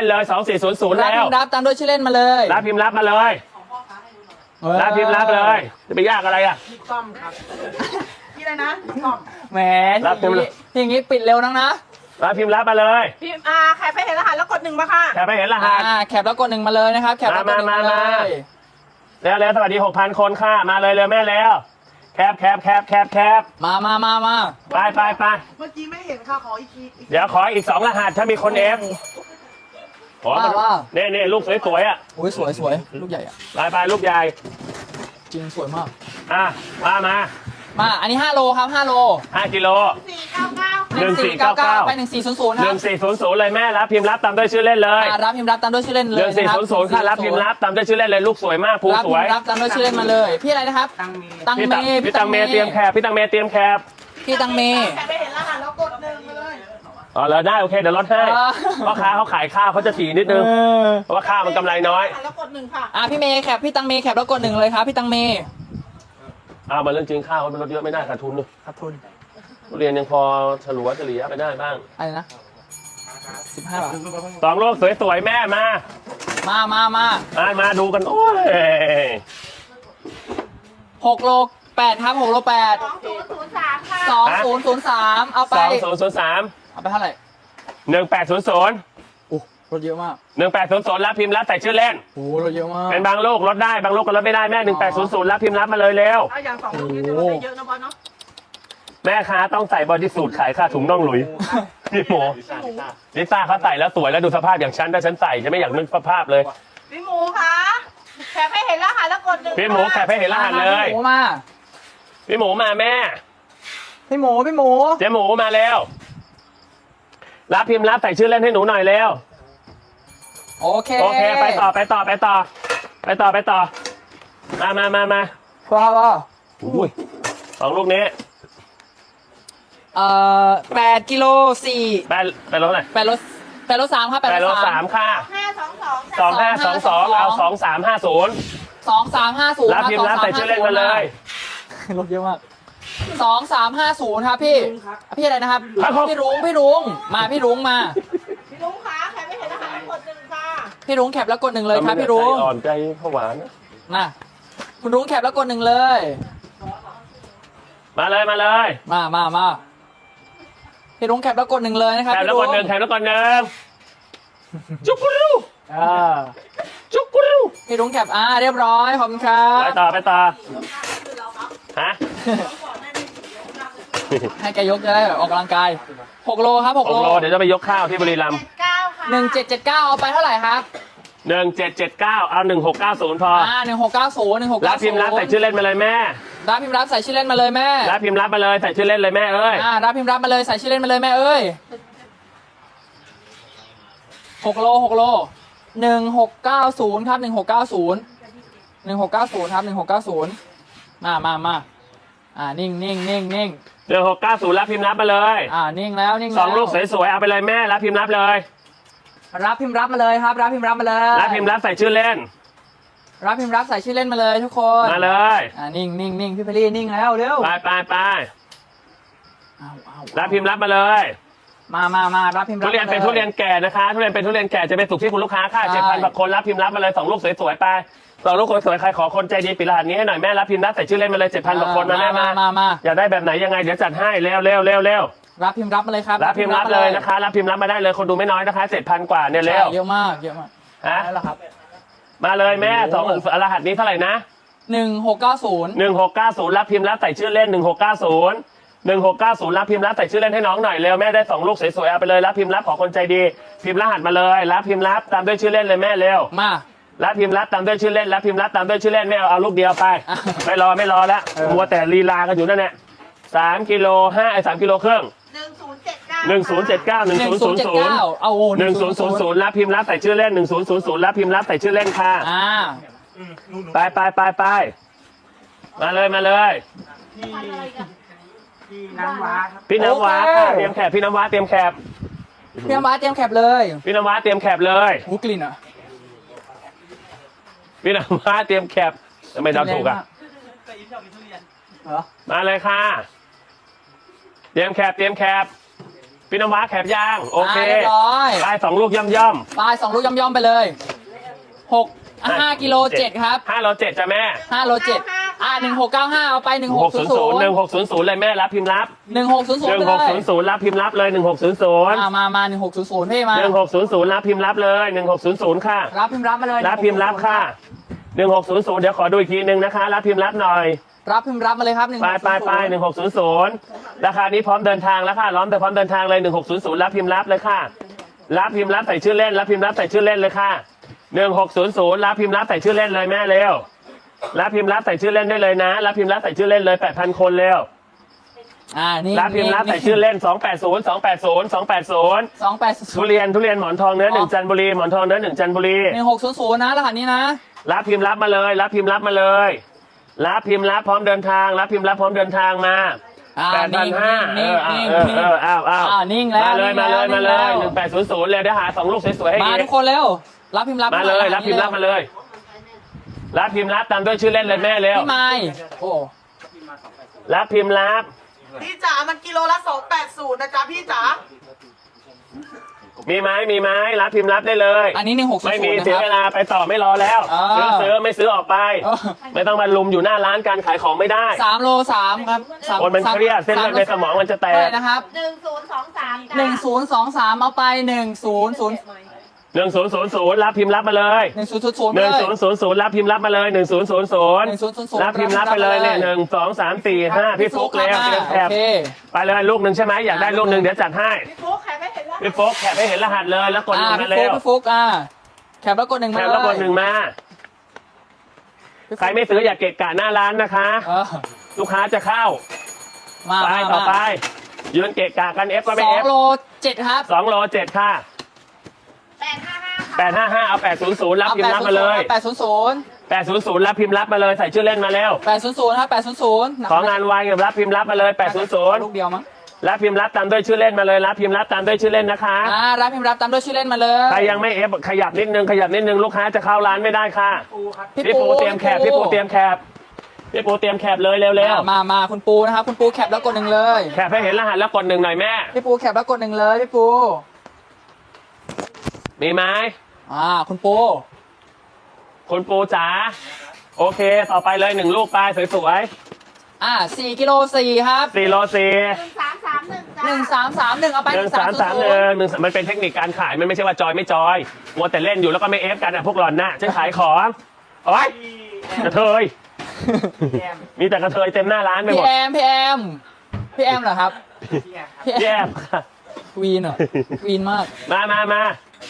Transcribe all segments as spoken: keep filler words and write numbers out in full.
เลยสองสี่ศูนย์ศูนย์รับแล้พิวมพ์รับตามด้วยชื่อเล่นมาเลยรับพิมพ์รับมาเลยรับพิมพ์รับเลยจะไปยากอะไรอ่ะพี่ก้อมครับพี่อะไรนะพี่ก้อมแหมรับพิมพ์รับอย่างงี้ปิดเร็วนังนะรับพิมพ์รับมาเลยพี่อ่าใครไปเห็นรหัสแล้วกดหนึ่งมาค่ะแคปไปเห็นรหัสอ่าแคปแล้วกดหนึ่งมาเลยนะครับแคปแล้วกดหนึ่งมามามาเลมายแล้วแล้วสวัสดีหกพันคนค่ะมาเลยเร็วแม่แล้วแคปแคปแคปแคปแคปมามามามาไปไปไปเมื่อกี้ไม่เห็นค่ะขออีกทีอีกทีเดี๋ยวขออีกสองรหัสถ้ามีคนเอฟขอว่าว่าเน่เน่ลูกสวยๆอ่ะโอ้ยสวยสวยลูกใหญ่อะไปไปลูกใหญ่จริงสวยมากอ่ะมามามาอันนี้ห้าโลครับห้าโลห้ากิโลสี่เก้าเก้าหนึ่งสี่เก้าเก้าไปหนึ่งสี่ศูนย์ศูนย์คหรันึ่บงสี่ศูนย์ศูนย์เลยแม่รับพิมพ์รับตามด้วยชื่อเล่นเลยอ่ารับพิมพ์รับตามด้วยชื่อเล่นหเลยนึ่งสี่นะครับศูนย์ศูนย์ค่ะรับพิมพ์รับตามด้วยชื่อเล่นเลยลูกสวยมากภูรับสพิวมยพ์รับตามด้วยชื่อเล่นมาเลยพี่อะไรนะครับตังมีตังพี่เมตังพี่ตังเมย์เตรียมแคบพี่ตังเมย์เตรียมแคบพี่ตังเมใครไปเห็นรหัสแล้วกดหนึ่งมาเลยอ๋อแล้วได้โอเคเดี๋ยวลดให้อ่าพ่อค้าเขาขายข้าวเขาจะถี่นิดนึงเพราะว่าข้าวมันกำไรน้อยรหัสแล้วกดหนึ่งค่ะอ่าพี่เมย์แคปพี่ตังเมย์แคปแล้วกดหนึ่งเลยครับพี่ตังเมย์อ้าวมาเรื่องจริงข้าวมันลดเยอะไม่ได้ขาดทุนเลยขาดทุนทุเรียนยังพอฉลัวเฉลี่ยไปได้บ้างอะไรนะสิบห้าบาทสองลูกสวยๆแม่มามามามามามาดูกันโอ้ยหกโลแปดครับหกโลแปดสองศูนย์ศูนย์สามค่ะสองศูนย์ศูนย์สามเอาไปสองศูนย์ศูนย์สามเอาไปเท่าไหร่หนึ่งแปดศูนย์ศูนย์โอ้รถเยอะมากหนึ่งแปดศูนย์ศูนย์รับพิมพ์รับใส่ชื่อเล่นโอ้รถเยอะมากเป็นบางลูกลดได้บางลูกก็ลดไม่ได้แม่หนึ่งแปดศูนย์ศูนย์รับพิมพ์รับมาเลยเร็วเอาอย่างสองลูกนี้จะลดได้เยอะนะบอลเนาะแม่ค้าต้องใส่บอดี้สูทขายค่าถุงน่องหลุยพี่หมูลิซ่าเขาใส่แล้วสวยแล้วดูสภาพอย่างฉันถ้าฉันใส่จะไม่อยากนึกสภาพเลยพี่หมูคะแคปให้เห็นรหัสแล้วกดหนึ่งพี่หมูแคปให้เห็นรหัสเลยพี่หมูมาพี่หมูมาแม่พี่หมูพี่หมูเจ๊หมูมาแล้วรับพิมพ์รับใส่ชื่อเล่นให้หนูหน่อยเร็วโอเคโอเคไปต่อไปต่อไปต่อ ไปต่อไปต่อมามามามาว้าวว้าวอุ้ยสองลูกนี้เอ่อแปดกิโลสี่แปดแปดรถไหนแปดโลแปดโลสามครับแปดแปดโลรถสาสาม มค่ะห้าสองสองสองห้าสองสองเอาสองสามห้าศูนย์สองสามห้าศูนย์รับพิมพ์รับใส่ชื่อเล่นมาเลยรถเยอะมากสองสามห้าศูนย์ครับพี่พี่อะไรนะครับครับผมพี่รุ้งพี่รุ้งมาพี่รุ้งมาพี่ลุงคะแคปให้เห็นรหัสแล้วกดหนึ่งค่ะพี่รุ้งแคปแล้วกดหนึ่งเลยครับพี่รุ้งใจอ่อนใจผวานะมาคุณรุ้งแคปแล้วกดหนึ่งเลยมาเลยมาเลยมามามาพี่รุ้งแคปแล้วกดหนึ่งเลยนะครับแถมพี่แล้วรุ้ก่อนหนึ่งแถมแล้วก่อนหนึ่งจุกกรูอ่าจุกกรูพี่รุ้งแคปอ่าเรียบร้อยขอบคุณครับไปต่อไปต่อฮะให้แกยกจะได้แบบออกกำลังกายหกโลครับหกหโลกโลเดี๋ยวจะไปยกข้าวที่บุรีรัมย์เก้าค่ะหนึ่งเจ็ดเจ็ดเก้าเอาไปเท่าไหร่ครับหนึ่งเจ็ดเจ็ดเก้าเอาหนึ่งหกเก้าศูนย์พออ่าหนึ่งหกเก้าศูนย์หนึ่งหกรัเก้าบศูพินมย์พ์รับใส่ชื่อเล่นมาเลยแม่รับพิมพ์รับใส่ชื่อเล่นมาเลยแม่รับพิมพ์รับมาเลยใส่ชื่อเล่นเลยแม่เอ้ยอ่ารับพิมพ์รับมาเลยใส่ชื่อเล่นมาเลยแม่เอ้ยหกโลหกโลหนึ่งหกเก้าศูนย์ครับหนึ่งหกเก้าศูนย์หนึ่งหกเก้าศูนย์ครับหนึ่งหกเก้าศูนย์มามามาอ่านิ่งนิ่งนิ่งนิ่งหนึ่งหกเก้าศูนย์รับพิมพ์รับมาเลยอ่านิ่งแล้วนิ่งสแล้วองลูกสวยๆเอาไปเลยแม่รับพิมพ์รับเลยรับพิมพ์รับมาเลยครับ รับพิมพ์รับมาเลยรับพิมพ์รับใส่ชื่อเล่นรับพิมพ์รับใส่ชื่อเล่นมาเลยทุกคนมาเลยอ่านิ่งนิ่งนิ่งพี่เพลลี่นิ่งแล้วเร็วไปไปไปเอาเอารับพิมพ์รับมาเลยมามามารับพิมพ์รัทุบเรียนเป็นมาลทุเรียนแก่นะคะทุเรียนเป็นทุเรียนแก่จะไปสุกที่คุณลูกค้าค่ะใช่เจ็ดพันกว่าคนรับพิมพ์รับมาเลยสองลูกสวยๆไปสองลูกสวยๆใครขอคนใจดีปิดรหัสนี้ให้หน่อยแม่รับพิมพ์รับใส่ชื่อเล่นมาเลยเจ็ดพันกว่าคนมาแม่มามามาอยากได้แบบไหนยังไงเดี๋ยวจัดให้เร็วเร็วเร็วเร็วรับพิมพ์รับมาเลยครับรับพิมพ์รับเลยนะคะรับพิมพ์รับมาได้เลยคนดูไม่น้อยนะคะเจ็ดพันกว่าเนี่ยใช่เร็วเยอะมากเยอะมากฮะนั่นแหละครับมาเลยแม่สองรหัสนี้เท่าไหร่นะหนึ่งหกเก้าศูนย์หนึ่งหกเก้าศูนย์รับพิมพ์รับใส่ชื่อเล่นหนึ่งหกเก้าศูนย์หนึ่งหกเก้าศูนย์รับพิมพ์รับใส่ชื่อเล่นให้น้องหน่อยเร็วแม่ได้สองลูกสวยๆเอาไปเลยรับพิมพ์รับขอคนใจดีพิมพ์รหัสมาเลยรับพิมพ์รับตามด้วยชื่อเล่นเลยแม่เร็วมารับพิมพ์รับตามด้วยชื่อเล่นรับพิมพ์รับตามด้วยชื่อเล่นไม่เอาเอาลูกเดียวไปอ่ะไม่รอไม่รอแล้วเออมัวแต่ลีลากันอยู่นั่นแหละสามกิโลห้าไอ้สามกิโลครึ่งหนึ่งศูนย์เจ็ดเก้าหนึ่งศูนย์เจ็ดเก้าหนึ่งหนึ่งศูนย์ศูศูนนย์ย์เจ็ดศูนย์เก้าเอาโอ้หนึ่งศูนย์ศูนย์ศูนย์รับพิมพ์รับใส่ชื่อเล่นหนึ่งศูนย์ศูนย์ศูนย์รับพิมพ์รับใส่ชื่อเล่นค่ะอ่าไปไปไปไปมาเลยมาเลยพันอะไรกันพี่น้ำว้าครับพี่น้ำว้าค่ะเตรียมแคบพี่น้ำว้าเตรียมแคบพี่น้ำว้าเตรียมแคปเลยพี่น้ำว้าเตรียมแคบเลยหูกลิ่นอ่ะพี่น้ำว้าเตรียมแคบทำไมเราถูกอ่ะเหรอมาเลยค่ะเตรียมแคบเตรียมแคบพี่น้ำว้าแคปย่างโอเคาเรียบร้อยไปสองลูกย่อมย่อมปลายสองลูกย่อมๆไปเลยหกห้ากิโลเจ็ดครับห้าโลเจ็ดจ้ะแม่ห้าโลเจ็ดอ่าหนึ่งหกเก้าห้าเอาไปหนึ่งหหกกศูศูนนย์ย์ศูศูนนย์ย์หนึ่งหกศูนย์ศูนย์เลยแม่รับพิมพ์รับหนึ่งหกศูนย์ศูนหย์นึ่งไปหกเลศูยนย์ศูนย์รับพิมพ์รับเลยหนึ่งหกศูนย์ศูนย์อ่ามามาหนึ่งหกศูนย์ศูนย์พี่มาหนึ่งหกศูนย์ศูนย์รับพิมพ์รับเลยหนึ่งหกศูนย์ศูนย์ค่ะรับพิมพ์รับมาเลยรับพิมพ์รับค่ะหนึ่งหกศูนย์ศูนย์เดี๋ยวขอดูอีกทีหนึ่งนะคะรับพิมพ์รับหน่อยรับพิมพ์รับมาเลยครับหนึ่งไปไปไปหนึ่งหกศูนย์ศูนย์ราคานี้พร้อมเดินทางแล้วค่ะล้อมแต่พร้อมเดินทางเลยหนึ่งหกศูนย์ศูนย์รับพิมพ์รับเลยค่ะรับพิมพ์รับใส่ชื่อเล่นรับพิมพ์รับใส่ชื่อเล่นเลยค่ะหนึ่งหกศูนย์ศูนย์รับพิมพ์รับใส่ชื่อเล่นเลยแม่เร็วรับพิมพ์รับใส่ชื่อเล่นได้เลยนะรับพิมพ์รับใส่ชื่อเล่นเลยแปดพันคนเร็วอ่านี่รับพิมพ์รับใส่ชื่อเล่นสองแปดศูนย์ สองแปดศูนย์ สองแปดศูนย์สองแปดศูทุนย์เรียนทุเรียนหมอนทองเนื้อหนึ่งจันทบุรีหมอนทองเนื้อหนึ่งจันทบุรีหนึ่งหกศูนย์ศูนย์นะรหัสนี้นะรับพิมพ์รับมาเลย รับพิมพ์รับมาเลย รับพิมพ์รับพร้อมเดินทาง รับพิมพ์รับพร้อมเดินทางมาอ่าแปดพันนิ่งห้าเอนิ่งอนิ่งเออนิ่งเอออ้าวอ้าวอ่านิ่งแล้วมาเลยนิ่มางแล้เลวยมาเลยนิ่งแล้วหนึ่งแปดศูนย์ศูนย์เลยเดี๋ยวหาสองลูกสวยๆให้มาอีทุกกคนเร็วรับพิมพ์รับมาเลย รับพิมพ์รับมาเลย รับพิมพ์รับตามด้วยชื่อเล่นเลยแม่เร็วพี่ไม้โอ้รับพิมพ์รับพี่จ๋ามันกิโลละสองแปดศูนย์นะจ๊ะพี่จ๋ามีไหมมีไหมรับพิมพ์รับได้เลยอันนี้หนึ่งหกศูนไม่ย์ศูมีนย์นะเสียคเวรับลาไปต่อไม่รอแล้วอ่าซื้อซื้อไม่ซื้อออกไปเออไม่ต้องมาลุมอยู่หน้าร้านการขายของไม่ได้สามโลสามครับสามคนมันเครียดเส้นเลือดในสมองมันจะแตเท่าไหกร่นะครับหนึ่งศูนย์สองสามจ้ะหนึ่งศูนย์สองสามเอาไปหนึ่งศูนย์ศูนย์หนึ่งศูนย์ศูนย์ศูนย์รับพิมพ์รับมาเลยหนึ่งศูนย์ศูนย์ศูนย์หนึ่งเลยศูนย์ศูนย์ศูนย์รับพิมพ์รับมาเลยหนึ่งศูนย์ศูนย์ศูนย์หนึ่งศูนย์ศูนย์ศูนย์รับพิมพ์รับไปเลยเนี่ยหนึ่งสองสามสี่ห้าพี่ฟุกเลยมาแคโอบ เคไปเลยลูกหนึ่งใช่ไหมอยากได้ลูกหนึ่งเดี๋ยวจัดให้พี่ฟุ๊กใครไม่เห็นแล้วพี่ฟุกแคปให้เห็นรหัสเลยแล้วกดหอ่านึ่งพี่มาฟุเร็วกพี่ฟุกอ่าแคปแล้วกดหนึ่งแคมาปเลยแล้วกดหนึ่งมาใครไม่ซื้ออย่าเกะกะหน้าร้านนะคะเออลูกค้าจะเข้ามาไปมาต่อไปมายืนเกะกะกันเอฟก็ไม่สอเอง ฟโลเจ็ดครับสองโลเจ็ดค่ะแปดห้าห้าค่ะแปดห้าห้าเอาแปดศูนย์ศูนย์รับพิมพ์รับมาเลยแปดศูนย์ศูนย์แปดศูนย์ศูนย์รับพิมพ์รับมาเลยใส่ชื่อเล่นมาแล้วแปดศูนย์ศูนย์ครับแปดศูนย์ศูนย์ของานวายกับรับพิมพ์รับมาเลยแปดศูนย์ศูนย์ลูกเดียวมั้งรับพิมพ์รับตามด้วยชื่อเล่นมาเลยรับพิมพ์รับตามด้วยชื่อเล่นนะคะอ่ารับพิมพ์รับตามด้วยชื่อเล่นมาเลยใครยังไม่เอฟขยับนิดนึงขยับนิดนึงลูกค้าจะเข้าร้านไม่ได้ค่ะปูครับพี่ปูเตรียมแคบพี่ปูเตรียมแคบพี่ปูเตรียมแคบเลยเร็วมามามาคุณปูนะครับคุณปูแคปแล้วกดหนึ่งเลยๆแคบให้เห็นรหัสแล้วกดหนึ่งหน่อยแม่พี่ปูแคปแล้วกดหนึ่งเลยพี่ปูมีไหมอ่าคุณปูคุณปูจ๋าโอเคต่อไปเลยหนึ่งลูกไปสวยอ่าสี่กิโลสี่ครับๆสี่โลสี่หนึ่งสามสามหนึ่งจ้ะหนึ่งสามสามหนึ่งเอาไปหนึ่งสามสามหนึ่งหนึ่งมันเป็นเทคนิคการขายมันไม่ใช่ว่าจอยไม่จอยมัวแต่เล่นอยู่แล้วก็ไม่เอฟกันอ่ะพวกหล่อนน่ะฉันขายของโอ๊ยกระเทยมีแต่กระเทยเต็มหน้าร้านไปหพี่มดแอมพี่แอมพี่แอมเหรอครับพี่แย่แอมวีนเหรอวีนมากมามามา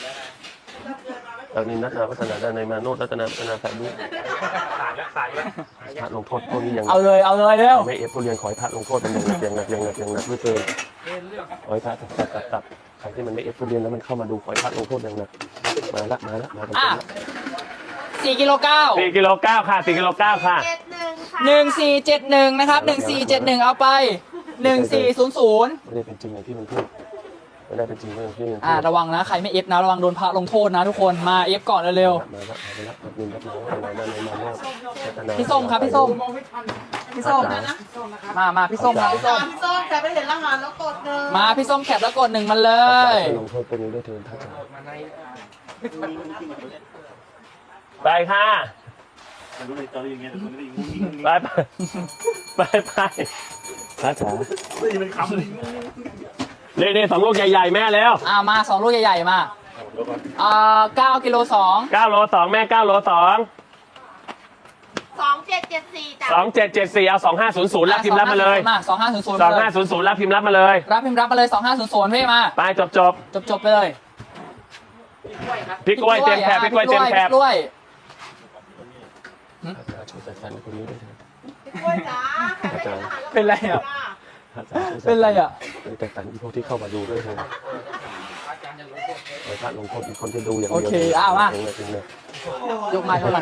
จากนี้นัทนาพัฒนาด้านในมาโนดรัตนาพัฒนาสายบุญขายแล้วขายแล้วพระลงโทษพวกนี้ยังเอาเลยเอาเลยเร็วไม่เอฟผู้เรียนขอให้พระลงโทษมันอย่างหนักอย่างหนักอย่างหนักอย่างหนักด้วยเกินขอให้พระตัดตัดตัดตัดใครที่มันไม่เอฟผู้เรียนแล้วมันเข้ามาดูขอให้พระลงโทษอย่างหนักมาละมาละมากันอ่ะละสี่กิโลเก้าสี่กิโลเก้าค่ะสี่กิโลเก้าค่ะเจ็ดหนึ่งค่ะหนึ่งสี่เจ็ดหนึ่งนะครับหนึ่งสี่เจ็ดหนึ่งเอาไปหนึ่งสี่ศูนย์ศูนย์ไม่ได้เป็นจริงอย่างที่มันพูดไม่ได้เป็นจริงอย่างที่มันพูอ่าดระวังนะใครไม่เอฟนะระวังโดนพระลงโทษนะทุกคนมาเอฟก่อนเร็วมาละมาละมาบินรับน้องอะไรนั่นเลยมาโนดพัฒนาๆพี่ส้มครับพี่ส้มมองไม่ทันพี่ส้มมามาพี่ส้มมาพี่ส้มสามส้มใครไม่เห็นรหัสแล้วกดหนึ่งมาพี่ส้มแคปแล้วกดหนึ่งมันเลยลงโทษตัวนี้ด้วยเถิดท่านไปค่ะไปไปไปไปพระจ๋านี่นี่สองลูกใหญ่ๆแม่แล้วอ่ามาสองลูกใหญ่ๆมาอ่าเก้ากิโลสองเก้าโลสองแม่เก้าโลสองสองเจ็ดเจ็ดสี่จ้ะสองเจ็ดเจ็ดสี่เอาสองห้าศูนย์ศูนย์รับพิมพ์รับมาเลยมาสองห้าศูนย์ศูนย์สองห้าศูนย์ศูนย์รับพิมพ์รับมาเลยรับพิมพ์รับมาเลยสองห้าศูนย์ศูนย์พี่มาไปจบจบจบจบๆไปเลยพี่กล้วยเตรียมแคบพี่กล้วยเตรียมแคบพี่กล้วยช่วยจัดการคนนี้ด้วยเถิดพี่กล้วยจ๋าใครไม่เห็นรหัสแล้วกดเป็นไรอ่ะจ้ะเป็นไรอ่ะแต่ตันอีพวกที่เข้ามาดูด้วยเถิดขอพระลงโทษอีกคนที่ดูอย่างเดียวโอเคอ้าวมาจริงเลยจริงเลยยกมายกมา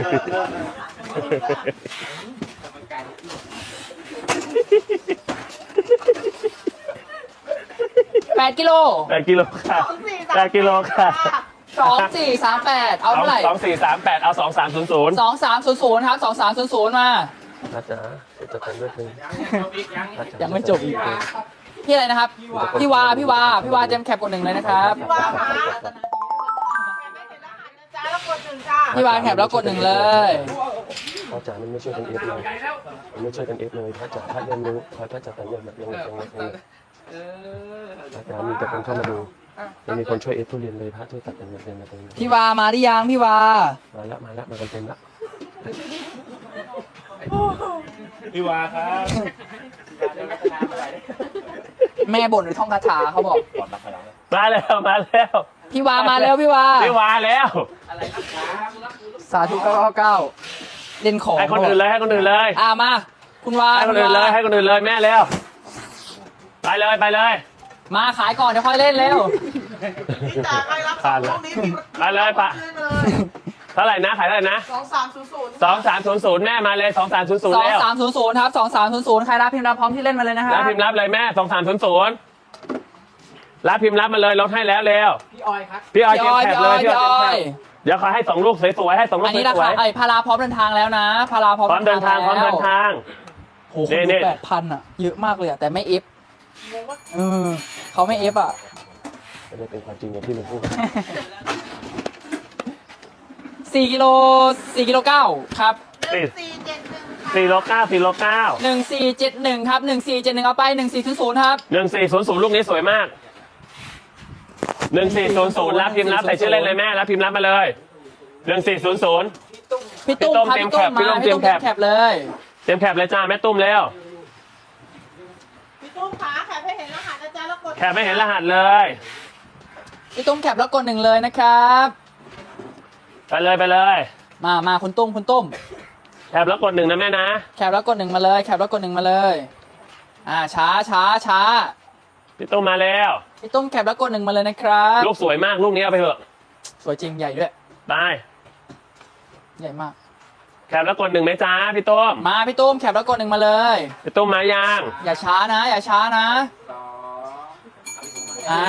แปดกิโลแปดกิโลค่ะสองสี่สามแปดกิโลค่ะสองสี่สามแปดเอาเท่าไหร่สองสี่สามแปดเอาสองสามศูนย์ศูนย์สองสามศูนย์ศูนย์ครับสองสามศูนย์ศูนย์มานะจ๊ะจะจัดการด้วยเถิดยังไม่จบอีกพี่อะไรนะครับ พี่วา พี่วา พี่วาเจมแคปกดหนึ่งเลยนะครับพี่วาค่ะแคปให้เห็นรหัสนะจ๊ะแล้วกดหนึ่งจ้าพี่วาแคปแล้วกดหนึ่งเลยพระจ๋ามันไม่ช่วยกันเอฟเลยมันไม่ช่วยกันเอฟเลยพระจ๋าพระเรียนรู้พระพระจ๋าแต่ยังแบบยังยังยังพระจ๋ามีแต่คนเข้ามาดูไม่มีคนช่วยเอฟทุเรียนเลยพระช่วยตัดเป็นแบบเป็นแบบเป็นพี่วามาหรือยังพี่วามาแล้วมาแล้วมากันเต็มละพี่วาครับแม่บ่นหรือท่องคาถาเขาบอกมาแล้วมาแล้วพี่วามาแล้วพี่วาไม่วาแล้วสาธุเก้าเก้าเก้าเล่นของให้คนอื่นเลยให้คนอื่นเลยอ่ามา คุณวาให้คนอื่นเลยให้คนอื่นเลยแม่เร็วไปเลยไปเลยมาขายก่อนเดี๋ยวค่อยเล่นเร็วพี่จ๋าใครรับผ่านละพรุ่งนี้พี่ไปเลยปะขึ้นมาเลยเท่าไหร่นะขายเท่าไหร่นะสองสามศูนย์ศูนย์สองสามศูนย์ศูนย์แม่มาเลยสองสามศูนย์ศูนสย์องแล้วสามศูนย์ศูนย์ครับสองสามศูนย์ศูนย์ใครรับพิมพ์รับพร้อมที่เล่นมาเลยนะครัรับบ พิมพ์รับเลยแม่สองสามศูนย์ศูนย์รับพิมพ์รับมาเลยลดให้แล้วเร็วพี่ออยครับพี่ออยเก็บแคปเลยพี่พี่ออออยยเดี๋ยวขอให้สองลูกสวยๆให้สองลูอักนนี้สราวยคาไอ้พาราพร้อมเดินทางแล้วนะพาราพร้อมๆพร้อมเดินทางพร้อมเดินทางโอ้โหคนนี่ดูแปดพันอ่ะเยอะมากเลยอ่ะแต่ไม่เอฟเออเขาไม่เอฟอ่ะไม่ได้เป็นความจริงอย่างที่มึงพูดสี่กิโลสี่กิโลเก้าครับหนึ่งสี่เจ็ดหนึ่งค่ะสี่โลเก้าสี่โลเก้าหนึ่งสี่เจ็ดหนึ่งครับหนึ่งสี่เจ็ดหนึ่งเอาไปหนึ่งสี่ศูนย์ศูนย์ครับหนึ่งสี่ศูนย์ศูนย์ลูกนี้สวยมากหนึ่งสี่ศูนย์ศูนย์รับพิมพ์รับใส่ชื่อเล่นเลยแม่รับพิมพ์รับมาเลยหนึ่งสี่ศูนย์ศูนย์พี่ตุ้มครับพี่พี่ตุ้ตุ้มมเตรียมมาแคปพี่พี่ตุ้ตุ้มมเตรียมแคปเลยเต็มแคปเลยจ้าแม่ตุ้มแล้วพี่ตุ้มขาแคปให้เห็นรหัสนะจ๊ะแล้วกดแคปไม่เห็นรหัสเลยพี่ตุ้มแคปแล้วกดหนึ่งเลยนะครับไปเลยไปเลยมามาคุณตุ้มคุณตุ้มแคปแล้วกดหนึ่งนะแม่นะแคปแล้วกดหนึ่งมาเลยแคปแล้วกดหนึ่งมาเลยอ่าช้าช้าช้าพี่ตุ้มมาแล้วพี่ตุ้มแคปแล้วกดหนึ่งมาเลยนะครับลูกสวยมากลูกนี้เอาไปเถอะสวยจริงใหญ่ด้วยไปใหญ่มากแคปแล้วกดหนึ่งไหมจ้าพี่ตุ้มมาพี่ตุ้มแคปแล้วกดหนึ่งมาเลยพี่ตุ้มมายังอย่าช้านะ อย่าช้านะอ่า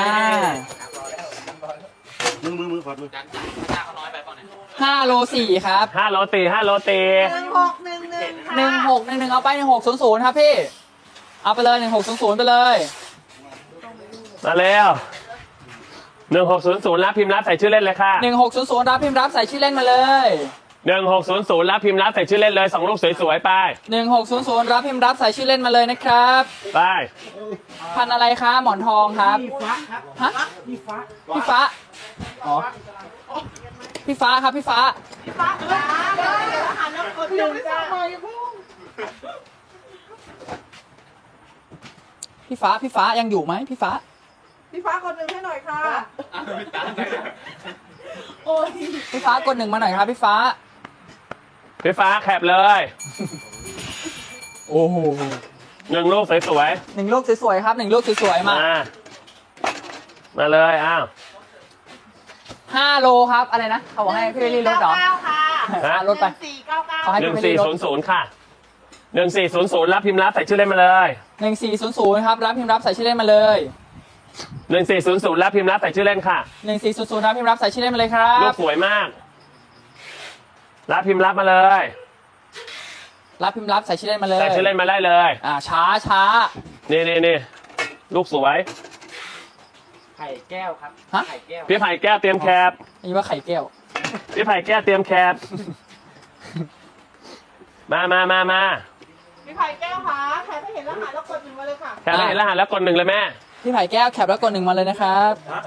มือมือมือขอมือห้าโลสี่ครับห้าโลตีห้าโลตีหนึ่งหกหนึ่งหนึ่งค่ะหนึ่งหกหนึ่งหนึ่งเอาไปหนึ่งหกศูนย์ศูนย์ครับพี่เอาไปเลยหนึ่งหกศูนย์ศูนย์ไปเลยมาแล้วหนึ่งหกศูนย์ศูนย์รับพิมพ์รับใส่ชื่อเล่นเลยค่ะหนึ่งหกศูนย์ศูนย์รับพิมพ์รับใส่ชื่อเล่นมาเลยหนึ่งหกศูนย์ศูนย์รับพิมพ์รับใส่ชื่อเล่นเลยสองลูกสวยๆไปหนึ่งหกศูนย์ศูนย์รับพิมพ์รับใส่ชื่อเล่นมาเลยนะครับไปพันธุ์อะไรคะหมอนทองครับพี่ฟ้าครับฮะพี่ฟ้าพี่ฟ้าอ๋อพี่ฟ้าครับพี่ฟ้าพี่ฟ้าขาแคปให้เห็นรหัสแล้วกดหนึ่งจ้าพี่ฟ้าพี่ฟ้ายังอยู่ไหมพี่ฟ้าพี่ฟ้ากดหนึ่งให้หน่อยค่ะโอ้ยพี่ฟ้ากดหนึ่งมาหน่อยครับพี่ฟ้าพี่ฟ้าแคปเลยโอ้โหหนึ่งลูกสวยหนึ่งลูกสวยๆครับหนึ่งลูกสวยๆๆมามามาเลยอ้าวห้าโลครับอะไรนะเขาบอกให้พี่รีลดเหรอเก้าค่ะอ่ะลดไปหนึ่งสี่เก้าเก้าขอให้หนึ่งสี่ศูนย์ศูนย์ค่ะหนึ่งสี่ศูนย์ศูนย์รับพิมพ์รับใส่ชื่อเล่นมาเลยหนึ่งสี่ศูนย์ศูนย์ครับรับพิมพ์รับใส่ชื่อเล่นมาเลยหนึ่งสี่ศูนย์ศูนย์รับพิมพ์รับใส่ชื่อเล่นค่ะหนึ่งสี่ศูนย์ศูนย์รับพิมพ์รับใส่ชื่อเล่นมาเลยครับลูกสวยมาก รับพิมพ์รับมาเลยรับพิมพ์รับใส่ชื่อเล่นมาเลยใส่ชื่อเล่นมาได้เลยอ่าช้าช้านี่นี่นี่ลูกสวยไข่แก้วครับฮะไข่แก้วพี่ไผ่แก้วเตรียมแคปนี่ว่าไข่แก้วพี่ไผ่แก้วเตรียมแคปมามามามาพี่ไผ่แก้วขาแคปให้เห็นรหัสแล้วกดหนึ่งมาเลยค่ะแคปให้เห็นรหัสแล้วกดหนึ่งเลยแม่พี่ไผ่แก้วแคปแล้วกดหนึ่งมาเลยนะครับ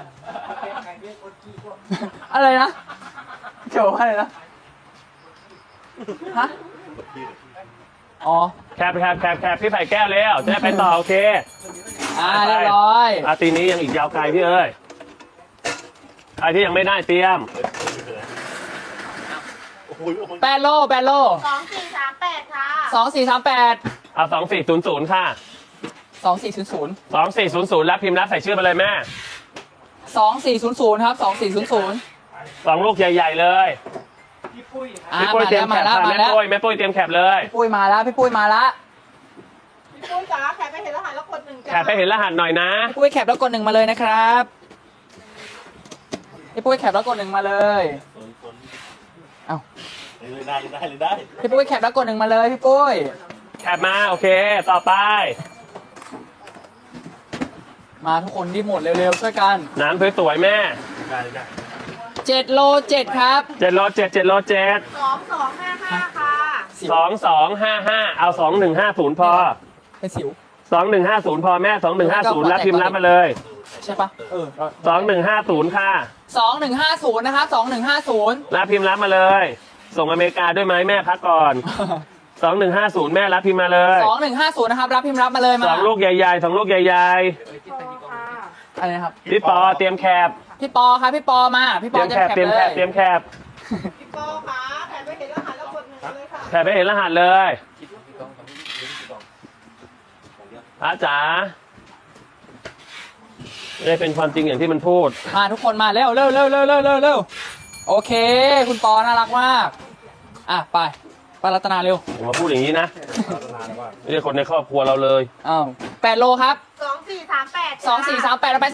อะไรนะเกี่ยวว่าอะไรนะฮะอ๋อแคปแคปแคปแคปพี่ไผ่แก้วแล้วจะได้ไปต่อโอเคอ่าเรียบร้อยอาตีนี้ยังอีกยาวไกลพี่เอ้ยใครที่ยังไม่ได้เตรียมแปดโลแปดโลสองสี่สามแปดค่ะสองสี่สามแปดเอาสองสี่ศูนย์ศูนย์ค่ะสองสี่ศูนย์ศูนย์สองสี่ศูนย์ศูนย์รับพิมพ์รับใส่ชื่อมาเลยแม่สองสี่ศูนย์ศูนย์ครับสองสี่ศูนย์ศูนย์สองลูกใหญ่ๆเลยพี่ปุ้ยครับอ่าพี่ปุ้ยมาเตรียแล้มวแคมาปแล้วค่ะมาแม่แล้วปุ้ยแม่ปุ้ยเตรียมแคปเลยพี่ปุ้ยมาแล้วพี่ปุ้ยมาแล้วพี่ปุ้ยจ๋าแคปให้เห็นรหัสแล้วกดหนึ่งจ้าแคปให้เห็นรหัสหน่อยนะพี่ปุ้ยแคปแล้วกดหนึ่งมาเลยนะครับพี่ปุ้ยแคปแล้วกดหนึ่งมาเลยเอ้าเลยได้ได้เลยได้พี่ปุ้ยแคปแล้วกดหนึ่งมาเลยพี่ปุ้ยแคปมาโอเค ต่อไปมาทุกคนรีบหมดเร็วๆช่วยกันน้ำสวยๆแม่ได้เลยได้เจ็ดโลเจ็ดครับเจ็ดโลเจ็ดเจ็ดโลเจ็ดสองสองห้าห้าค่ะสองสองห้าห้าเอาสองหนึ่งห้าศูนย์พอเป็นสิวสองหนึ่งห้าศูนย์พอแม่สองหนึ่งห้าศูนย์รับพิมพ์รับมาเลยใช่ปะเออสองหนึ่งห้าศูนย์ค่ะสองหนึ่งห้าศูนย์นะครับสองหนึ่งห้าศูนย์รับพิมพ์รับมาเลย ส่งอเมริกาด้วยไหมแม่พักก่อน สองหนึ่งห้าศูนย์แม่รับพิมพ์มาเลยสองหนึ่งห้าศูนย์นะครับรับพิมพ์รับมาเลยมาสองลูกใหญ่ๆสองลูกใหญ่อะไรนะครับๆพี่ปอเตรียมแคบพี่ปอครับพี่ปอมาพี่เตปอรียมจะแคบแคปเตรียมเลแคยบเตรียมแคบพี่โป้ค่ะแถมไม่เห็นรหัสแล้วกดหนึ่งเลยค่ะแคบไปเห็นรหัสเลยอาจ๋าไม่ได้เป็นความจริงอย่างที่มันพูดมาทุกคนมาเร็วเร็วเร็วเร็วเร็วเร็วเร็วโอเค คุณปอน่ารักมากอ่ะไปไปรัตนาเร็วผมมาพูดอย่างนี้นะไม่ใช่คนในครอบครัวเราเลยอ้าวแปดโลครับสองสี่สามแปดสองสี่สามแปดเราไป